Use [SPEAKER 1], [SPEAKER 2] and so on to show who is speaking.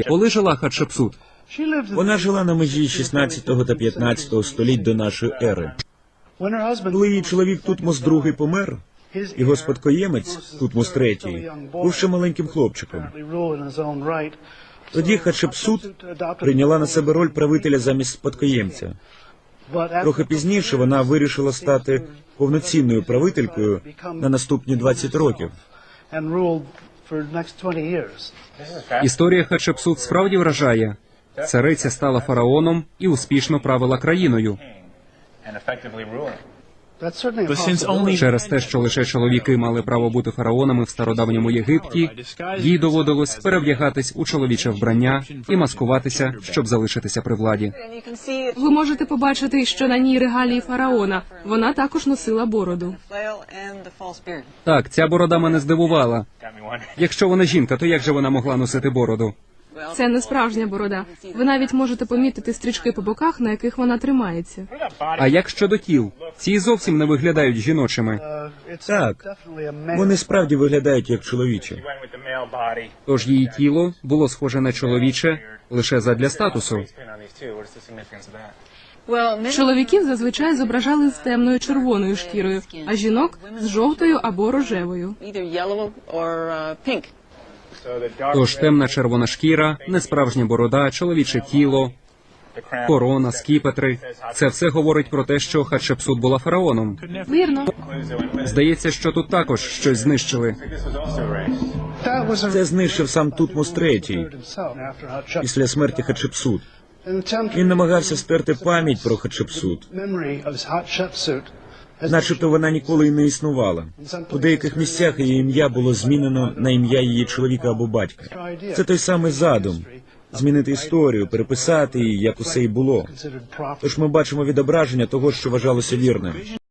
[SPEAKER 1] Коли жила Хатшепсут?
[SPEAKER 2] Вона жила на межі 16 та 15 століть до нашої ери. Коли її чоловік Тутмос II помер, його спадкоємець, Тутмос III, був ще маленьким хлопчиком. Тоді Хатшепсут прийняла на себе роль правителя замість спадкоємця. Трохи пізніше вона вирішила стати повноцінною правителькою на наступні 20 років.
[SPEAKER 1] Історія Хатшепсут справді вражає. Цариця стала фараоном і успішно правила країною. Через те, що лише чоловіки мали право бути фараонами в стародавньому Єгипті, їй доводилось перевдягатись у чоловіче вбрання і маскуватися, щоб залишитися при владі.
[SPEAKER 3] Ви можете побачити, що на ній регалії фараона. Вона також носила бороду.
[SPEAKER 1] Так, ця борода мене здивувала. Якщо вона жінка, то як же вона могла носити бороду?
[SPEAKER 3] Це не справжня борода. Ви навіть можете помітити стрічки по боках, на яких вона тримається.
[SPEAKER 1] А як щодо тіл? Ці зовсім не виглядають жіночими.
[SPEAKER 2] Так, вони справді виглядають як чоловічі.
[SPEAKER 1] Тож її тіло було схоже на чоловіче лише задля статусу.
[SPEAKER 3] Чоловіків зазвичай зображали з темною червоною шкірою, а жінок – з жовтою або рожевою.
[SPEAKER 1] Тож темна червона шкіра, несправжня борода, чоловіче тіло, корона, скіпетри – це все говорить про те, що Хатшепсут була фараоном.
[SPEAKER 3] Вірно.
[SPEAKER 1] Здається, що тут також щось знищили.
[SPEAKER 2] Це знищив сам Тутмос III після смерті Хатшепсут. Він намагався стерти пам'ять про Хатшепсут. Начебто вона ніколи й не існувала. У деяких місцях її ім'я було змінено на ім'я її чоловіка або батька. Це той самий задум – змінити історію, переписати її, як усе й було. Тож ми бачимо відображення того, що вважалося вірним.